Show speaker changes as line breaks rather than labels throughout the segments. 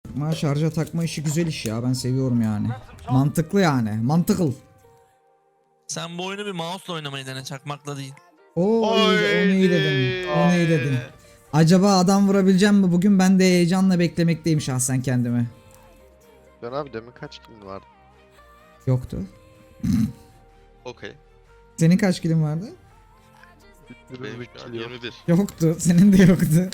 Ama şarja takma işi güzel iş ya. Ben seviyorum yani. Mantıklı yani. Mantıklı.
Sen bu oyunu bir mouse'la oynamayı dene, çakmakla değil.
Oo iyi, onu iyi dedin. Onu iyi dedin.
Haydi.
Acaba adam vurabileceğim mi bugün? Ben de heyecanla beklemekteyim şahsen kendimi.
Can abi demin kaç kilin vardı?
Yoktu.
Okey.
Senin kaç kilin vardı?
Benim şu an 21.
Yoktu. Senin de yoktu.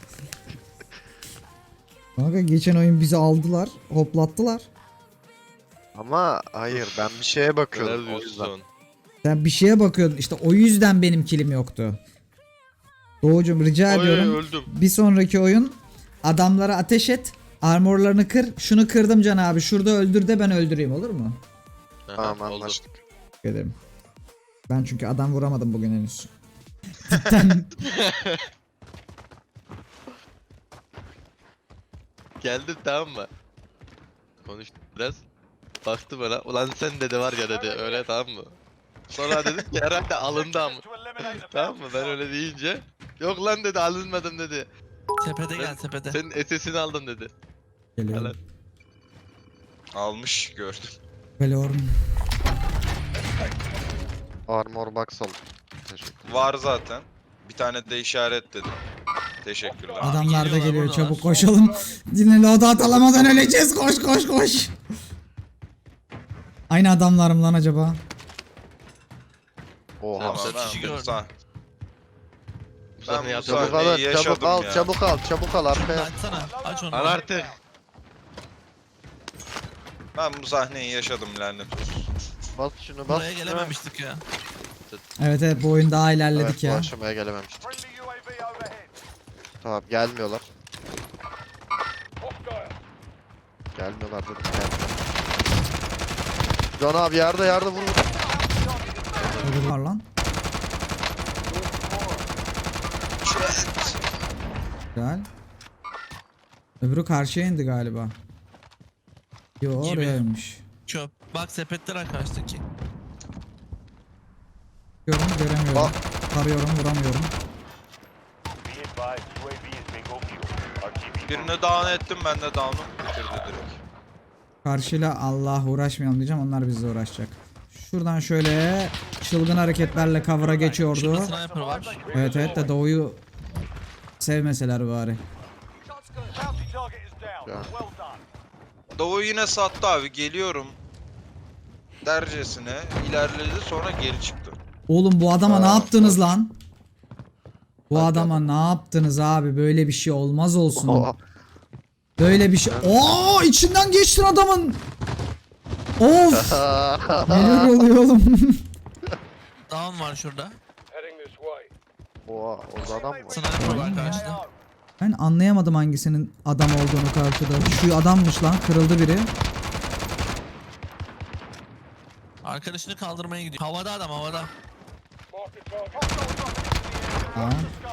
Kanka geçen oyun bizi aldılar. Hoplattılar.
Ama hayır ben bir şeye bakıyordum
Neler
o yüzden.
diyorsun?
Sen bir şeye bakıyordun. İşte o yüzden benim kilim yoktu. Doğucum rica
Oy
ediyorum.
öldüm.
Bir sonraki oyun adamlara ateş et. Armorlarını kır. Şunu kırdım Can abi. Şurada öldür de ben öldüreyim, olur mu?
Aha,
Tamam
oldu.
anlaştık.
Teşekkür ederim. Ben çünkü adam vuramadım bugün henüz. Cidden.
Geldim tamam mı? Konuştum biraz. Baktı bana. Ulan sen dedi var ya dedi. Öyle tamam mı? Sonra dedim ki herhalde alındı ama. Tamam mı? Ben öyle deyince. Yok lan dedi alınmadım dedi.
Tepede gel,
Ben-
tepede.
Senin SS'ini aldım dedi.
Geliyorum.
Almış gördüm.
Geliyorum.
Armor box aldım. Teşekkür.
Var zaten. Bir tane de işaret dedim. Teşekkürler.
Adamlar da
geliyorlar,
geliyor.
buradalar.
Çabuk koşalım. Dinle loadout alamadan öleceğiz. Koş koş koş. Aynı adamlarım lan acaba?
Oha.
Tamam,
Sen
Ben
kişi
bu
gördüm.
sah-
Ben
bu
bu
Çabuk
sahneyi
alın,
yaşadım
çabuk al,
ya.
çabuk al, çabuk al arkaya.
Açsana, aç onu.
Al artık.
Ben bu sahneyi yaşadım lanet olsun.
Bas şunu bas.
Buraya gelememiştik ya.
Evet evet, bu oyun daha ilerledik
Evet, bu
ya.
aşamaya gelememiştik. Tamam gelmiyorlar. Gelmiyorlar dedim gelmiyorlar. Can abi yerde vur.
Öbürü var lan. Güzel. Öbürü karşıya indi galiba. Yo
Gibi.
orayaymış.
Çöp. Bak sepetler arkadaştaki.
Göremiyorum.
Bak.
Tarıyorum, vuramıyorum.
Birini down ettim ben de down'u bitirdi direkt.
Karşıyla Allah uğraşmayalım diyeceğim, onlar bizle uğraşacak. Şuradan şöyle çılgın hareketlerle cover'a geçiyordu.
Şurada sniper var.
Evet evet de Doğu'yu sevmeseler bari.
Doğu yine sattı abi geliyorum. Dercesine ilerledi sonra geri çıktı.
Oğlum bu adama ne
Aa,
yaptınız lan? Bu
Hadi
adama ne yaptınız abi? Böyle bir şey olmaz olsun.
Oha.
Böyle bir şey. Oo, içinden geçtin adamın. Of. Neler oluyor oğlum?
Down var şurada.
Oha orada adam mı var?
Sniper var karşıda.
Ben anlayamadım hangisinin adam olduğunu karşıda. Şu adammış lan, kırıldı biri.
Arkadaşını kaldırmaya gidiyor. Havada adam, havada.
Aa.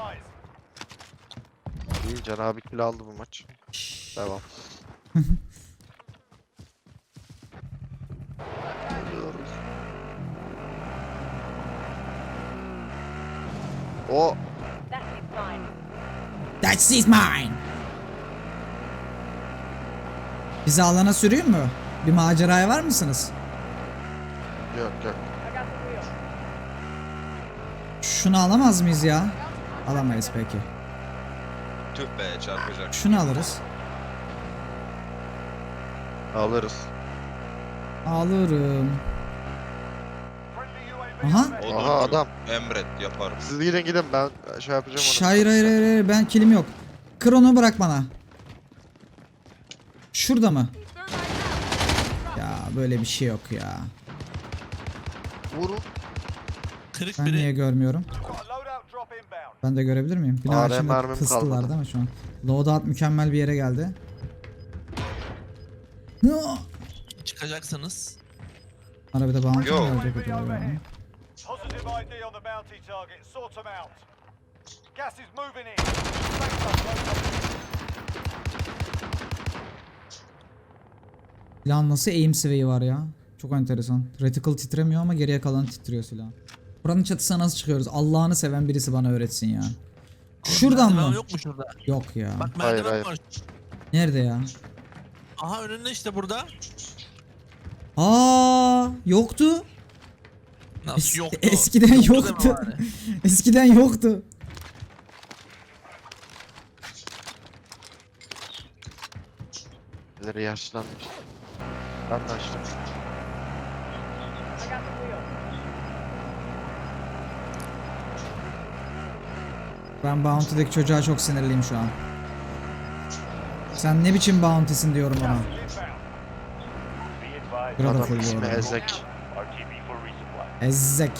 İyi Can abi kill aldı bu maç. Devam. O
That's is mine. Bizi alana süreyim mü? Bir maceraya var mısınız?
yok.
Şunu alamaz mıyız ya? Alamayız peki.
Tüh be çarpacak.
Şunu alırız.
Alırız.
Alırım. Aha.
Olur,
Aha
olur.
adam.
Emret yaparım.
Siz gidin ben şey yapacağım onu.
Hayır hayır hayır hayır, ben kilim yok. Kır onu, bırak bana. Şurada mı? Ya böyle bir şey yok ya.
Vurun.
Kırık
Ben
biri.
niye görmüyorum? Ben de görebilir miyim? Bina
AR
içinde
mermim
kıstılar
kalmadı.
değil mi şu an? Loadout mükemmel bir yere geldi.
Çıkacaksanız.
Ara bir de bounty
Yo.
mi verecek acaba ya?
Positive ID on the bounty target. Sort them out. Gas is moving in. Safe zone.
Silahın nasıl aim sway'i var ya? Çok enteresan. Reticle titremiyor ama geriye kalan titriyor silah. Buranın çatısına nasıl çıkıyoruz? Allah'ını seven birisi bana öğretsin ya. Şuradan
Merdiven
mı?
yok mu şurada?
Yok ya.
Bak
Hayır,
merdiven
hayır.
var.
Nerede ya?
Aha önünde işte burada.
Aa, yoktu.
Nasıl yoktu?
Eskiden
deme
yoktu.
bari.
Eskiden yoktu.
Birileri yaşlanmış. Ben de açtım.
Ben Bounty'deki çocuğa çok sinirliyim şu an. Sen ne biçim Bounty'sin diyorum ona.
Gas is inbound. Be advised.
Burada
Adam
full bu
ismi
arada.
Ezek.
RTB for resupply.
Ezzek.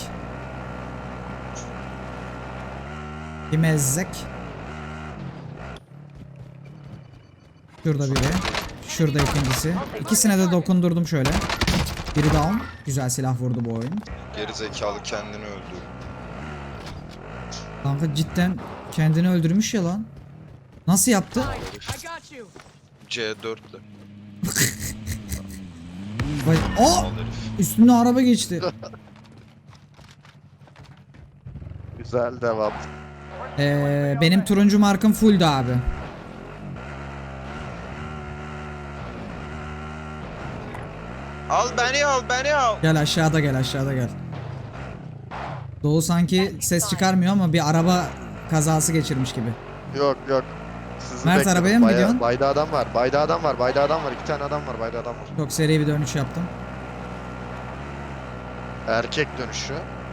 Kim Ezzek? Şurada biri. Şurada ikincisi. İkisine de dokundurdum şöyle. Biri down. Güzel silah vurdu bu oyun.
Geri zekalı kendini öldürdü.
Kanka cidden kendini öldürmüş ya lan. Nasıl yaptı?
C4'le.
Vay. Aa!
Al herif.
Üstüne araba geçti.
Güzel devam.
Benim turuncu markım fulldü abi.
Al beni al beni al.
Gel aşağıda gel aşağıda gel. Doğu sanki ses çıkarmıyor ama bir araba kazası geçirmiş gibi.
Yok yok. Sizi
Mert,
bekledim.
arabaya mı gidiyorsun?
Bayda adam var. Bayda adam var. Bayda adam var. 2 tane adam var. Bayda adam var.
Çok seri bir dönüş yaptım.
Erkek dönüşü.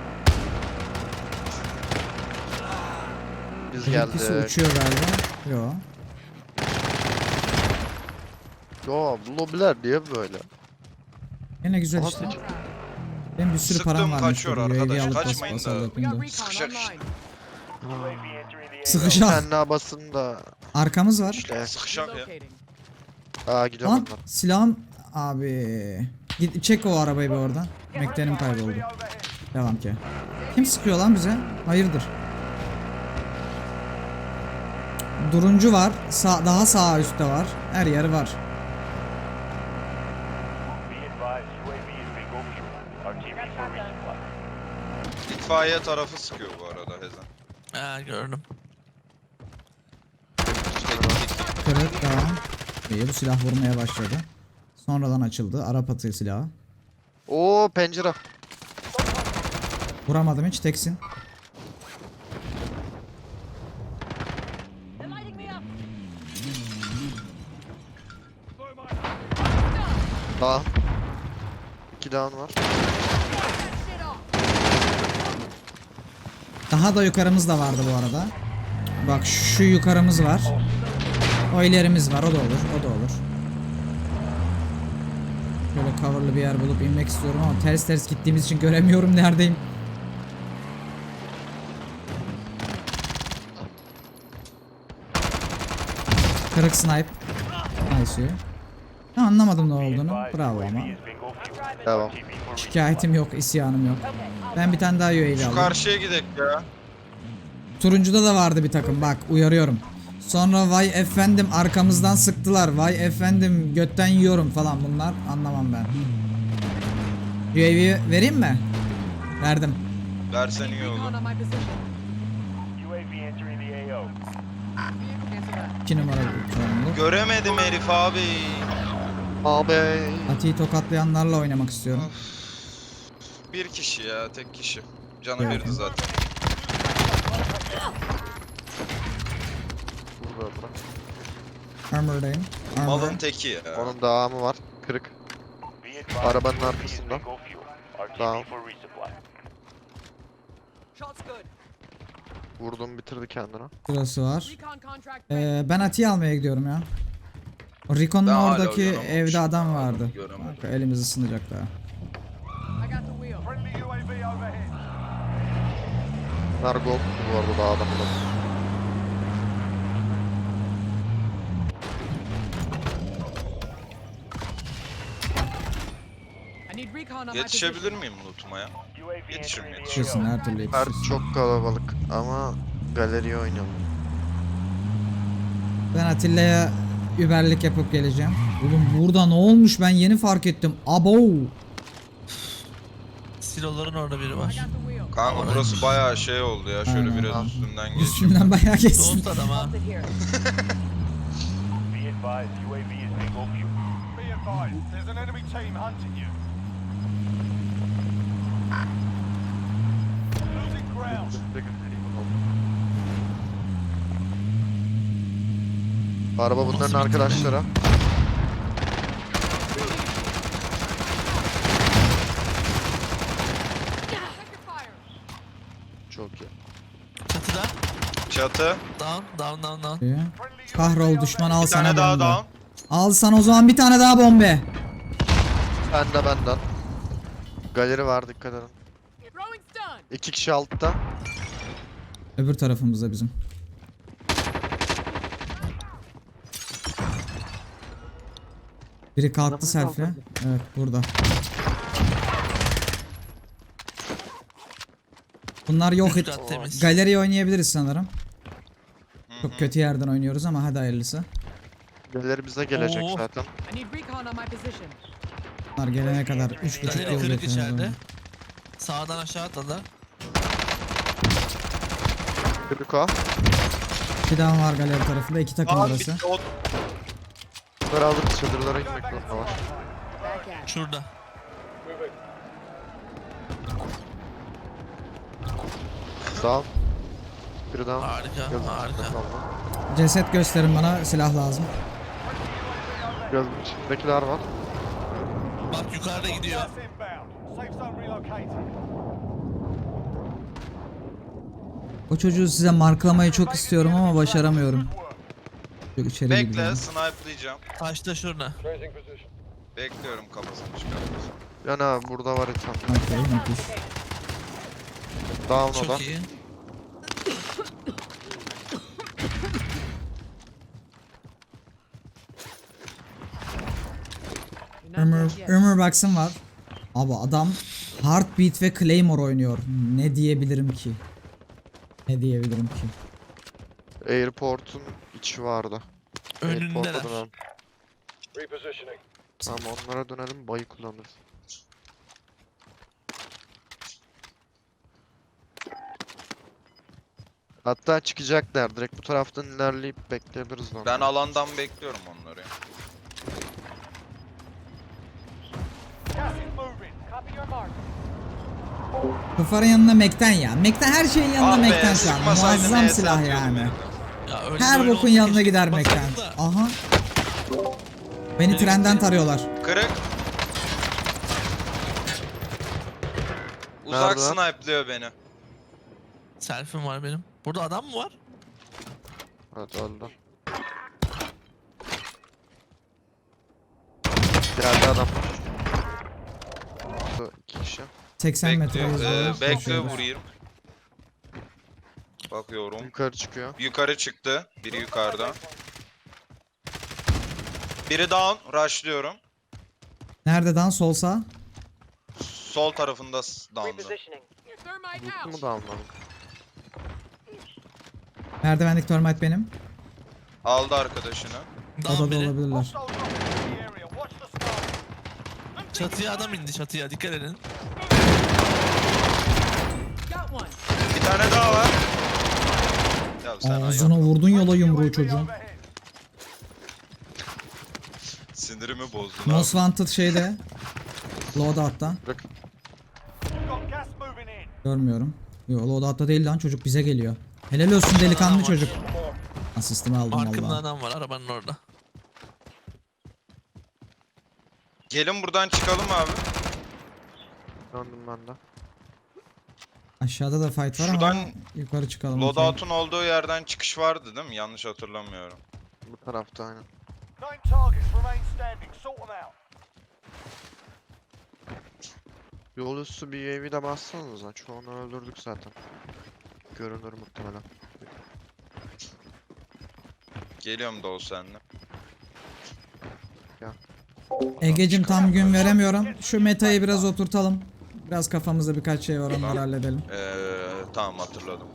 Biz
İkisi
geldik.
uçuyor galiba. Yo.
Yo bu lobiler niye böyle?
Yine güzel
Aha,
işte.
seçim.
Benim bir sürü
Sıktım,
param varmış.
kaçıyor
burada.
arkadaş,
UAV alıp
kaçmayın
bas
da.
yapayım da.
Sıkışak işte.
UAV entering the AO.
Sıkışak.
Kendi basında
Arkamız var.
işte.
Sıkışak ya.
Aa gidiyorum
Lan
onlar.
silahım abi. Git çek o arabayı bir oradan. Mektenim kayboldu.
Overhead.
Devam ki. Kim sıkıyor lan bize? Hayırdır? Duruncu var. Daha sağ üstte var. Her yer var.
Be advised, UAV is bingo fuel. RTB for resupply.
İtfaiye tarafı sıkıyor bu arada Hezen.
Ha gördüm.
Kırık daha. İyi, bu silah vurmaya başladı. Sonradan açıldı. Arap atı silahı.
Oo pencere.
Vuramadım hiç, teksin.
Daha. 2 down var.
Daha da yukarımız da vardı bu arada. Bak şu yukarımız var. O ilerimiz var. O da olur. O da olur. Böyle coverlı bir yer bulup inmek istiyorum ama ters ters gittiğimiz için göremiyorum neredeyim. Kırık snipe. Nice. Ha, anlamadım ne olduğunu. Bravo ama.
UAV is bingo fuel.
Devam.
RTB for resupply.
Şikayetim yok, isyanım yok. Ben bir tane daha UAV
Şu
aldım.
karşıya gidelim ya.
Turuncuda da vardı bir takım, bak uyarıyorum. Sonra vay efendim arkamızdan sıktılar. Vay efendim götten yiyorum falan, bunlar anlamam ben. UAV vereyim mi? Verdim.
Versen iyi olur.
UAV entering the AO.
2 numara çoğunluk.
Göremedim herif abi.
Abi.
Ati'yi tokatlayanlarla oynamak istiyorum.
Bir kişi ya, tek kişi. Canı
Evet.
birdi zaten.
Burada bırak.
Armor'dayım.
Malın
Armor.
teki ya.
Onun devamı var. Kırık.
Be advised,
Arabanın
UAV is
arkasında.
bingo fuel. RTB
Tamam.
for resupply.
Vurdum bitirdi kendini.
Burası var. Ben Ati'yi almaya gidiyorum ya. O Ricon'un
Ben hala
oradaki
uyanamamışım.
evde adam vardı.
Göremedim.
Bak, elimiz ısınacak daha.
Friendly UAV overhead.
Nargo bu arada daha adam bulalım.
Yetişebilir miyim lootuma ya?
UAV
Yetişirim,
entering the
Yetişirsin,
AO.
her türlü
Mert
yetişirsin.
çok kalabalık ama galeriye oynayalım.
Ben Atilla'ya überlik yapıp geleceğim. Oğlum burada ne olmuş, ben yeni fark ettim. Abo.
Siloların orada biri var.
Kanka burası bayağı şey oldu ya. Şöyle
Aynen.
biraz üstünden geçeyim.
Üstümden bayağı geçsin.
Dost adam ha.
Be advised, UAV is bingo fuel. advised, there's an enemy team hunting you. Losing ground.
Araba bunların
Nasıl
arkadaşları. Çok iyi.
Çatıda.
Çatı.
Down.
Diyor. Kahrol düşman al
Bir
sana
tane daha
bombe.
down.
Al sana o zaman bir tane daha bombe.
Benden. Galeri var, dikkat edin. 2 kişi altta.
Öbür tarafımızda bizim. Biri kalktı selfie. Evet burada. Bunlar yok et.
Üst kat temiz.
Galeriyi oynayabiliriz sanırım. Çok kötü yerden oynuyoruz ama hadi hayırlısı.
Galeri bize gelecek
Oo.
zaten.
I need recon on my position.
Bunlar gelene kadar 3,5
Galeri
yıl
kırık
bekliyoruz.
içeride. Sağdan aşağı atladılar.
Kırık o.
Bir daha var galeri tarafında. 2 takım
Aa,
arası.
bitti o.
Bunları alıp çadırlara gitmek zorunda var.
Back at.
Şurada.
Sağ ol. Biri daha.
Harika.
Ceset gösterin bana. Silah lazım.
Gözün içindekiler var.
Bak yukarıda gidiyor.
Gas inbound. Safe zone relocated.
O çocuğu size marklamayı çok istiyorum ama başaramıyorum. Çok içeri
Bekle,
gidiyorum.
snipe'layacağım.
Taşta şurada.
Bekliyorum kafasını çıkartmasın.
Yani abi burada var insan.
Okey, müthiş.
Down o da.
Çok iyi.
You're not
Ömür,
dead yet.
Ömür Baksın var. Abi adam Heartbeat ve Claymore oynuyor. Ne diyebilirim ki? Ne diyebilirim ki?
Airport'un içi vardı. Airport'a
Önündeler.
dönelim.
Repositioning.
Tamam onlara dönelim, bayı kullanırız. Hatta çıkacaklar. Direkt bu taraftan ilerleyip bekleyebiliriz lan.
Ben alandan bekliyorum onları.
Gas is moving.
Copy your mark.
Kufarın yanında Mekten ya. Mekten her şeyin yanında
Ah be,
Mekten şu an.
sıkmasaydın
Muazzam
neye
silah
satıyordum
yani.
ya.
Ya öyle
Her
böyle
bokun
olsa
yanına
keşke
gider Mekten.
basaydım da.
Aha. Beni trenden tarıyorlar.
Kırık. Uzak
Nerede?
snipe'lıyor beni.
Selfie'm var benim. Burada adam mı var?
Evet öldü. Geldi adam. Bu iki kişi.
80 metre
Bekle,
hızla
bekle
koşuyoruz.
vurayım. Bakıyorum.
Yukarı çıkıyor.
Yukarı çıktı. Biri yukarıda. Biri down. Rushlıyorum.
Nereden sol sağ?
Sol tarafında down'da.
Repositioning. Thermite
Mutlu mu
out.
da almadım.
Merdivendeki termite benim.
Aldı arkadaşını.
Down
Odada
biri.
olabilirler.
Hostile dropping into the area. Watch the sky.
Çatıya adam indi çatıya dikkat edin.
Got one.
Bir tane daha var. Ya sen
Ağzına vurdun yola yumruğu
UAV
çocuğun.
overhead.
sinirimi bozdun
Most
abi.
Wanted şeyde. Loadout'ta.
We've got gas moving in.
Görmüyorum. Yo loadout'ta değil lan, çocuk bize geliyor. Helal olsun delikanlı çocuk. Asistimi aldım
Arkamda
valla.
adam var arabanın orada.
Gelin buradan çıkalım abi.
Döndüm ben de.
Aşağıda da fight var
Şuradan
ama yukarı çıkalım. okey.
Loadout'un olduğu yerden çıkış vardı değil mi? Yanlış hatırlamıyorum.
Bu tarafta aynen.
9 targets remain standing. Sort them out.
Yol üstü bir UAV de bassanıza. Çoğunu öldürdük zaten. Görünür muhtemelen.
Geliyorum da o seninle.
Egecim tam gün veremiyorum. Şu metayı biraz oturtalım. Biraz kafamızda birkaç şey var, onları halledelim.
Tamam hatırladım.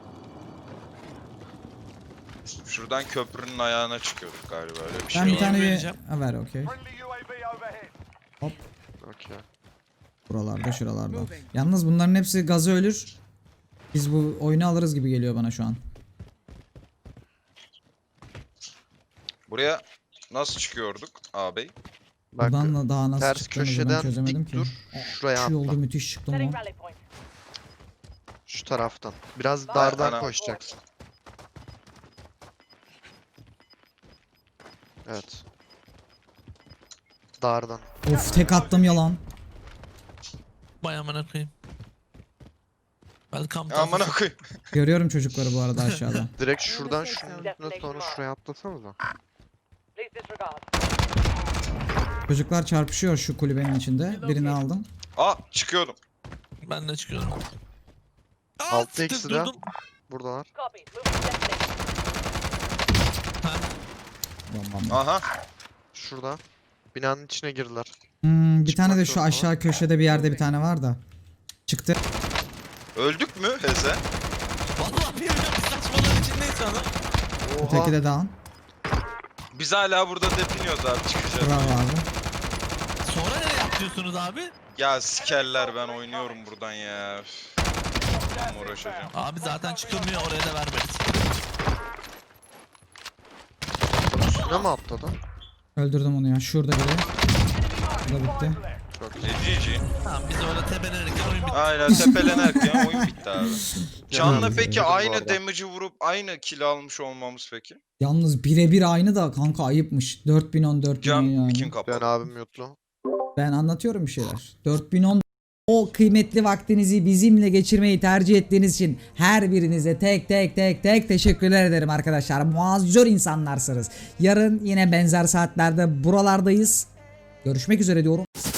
Şuradan köprünün ayağına çıkıyorduk galiba öyle bir şey
Ben bir
var.
tane
vereceğim.
ha, ver okey.
Friendly UAV overhead.
Hop.
Okey.
Buralarda şuralarda. Yalnız bunların hepsi gazı ölür. Biz bu oyunu alırız gibi geliyor bana şu an.
Buraya nasıl çıkıyorduk ağabey?
Bak
Buradan da daha nasıl
ters
çıktığımızı ben
köşeden
çözemedim
dik
ki.
dur. Şuraya
Şu yolda
atla.
müthiş çıktım
Setting
lan.
rally point.
Şu taraftan. Biraz dardan
Ana.
koşacaksın. Evet. Dardan.
Of tek attım yalan.
Vay amına koyayım. Welcome to
Amına koyayım.
Görüyorum çocukları bu arada aşağıda.
Direkt şuradan şunun üstüne sonra şuraya atlasanıza.
Please disregard.
Çocuklar çarpışıyor şu kulübenin içinde. Birini aldım.
Aa çıkıyorum.
Ben de çıkıyorum. Aa,
Altı
siktir,
eksi de.
durdum.
Buradalar.
Copy. Moving to destination.
Ha,
Bombam.
Aha.
Şurada. Binanın içine girdiler.
Bir tane de
Çıkmak
şu
yok
aşağı köşede bir yerde bir tane var da. Çıktı.
Öldük mü Heze?
vallahi bir saçmalığın içindeyiz şu anda.
Öteki
Oha.
de down.
Biz hala burada depiniyoruz abi çıkacağız.
Bravo abi.
Sonra nereye atlıyorsunuz abi?
Ya sikerler ben oynuyorum buradan ya. Üf. Tamam, uğraşacağım.
Abi zaten çıkılmıyor, oraya da vermeriz.
Üstüne mi atladı?
Öldürdüm onu ya. Şurada biri. Bu da bitti.
GG.
Tamam biz öyle tepelenirken oyun bitti.
Aynen tepelenerken oyun bitti abi. Can'la
Canım,
peki
üzüldüm bu
aynı
arada.
damage'ı vurup aynı kill almış olmamız peki?
Yalnız birebir aynı da kanka ayıpmış. 4010 4010
Can
yani.
kim
Ben
kapalı?
abim yutlu.
Ben anlatıyorum bir şeyler. 4010 o kıymetli vaktinizi bizimle geçirmeyi tercih ettiğiniz için her birinize tek teşekkürler ederim arkadaşlar. Muazzur insanlarsınız. Yarın yine benzer saatlerde buralardayız. Görüşmek üzere diyorum.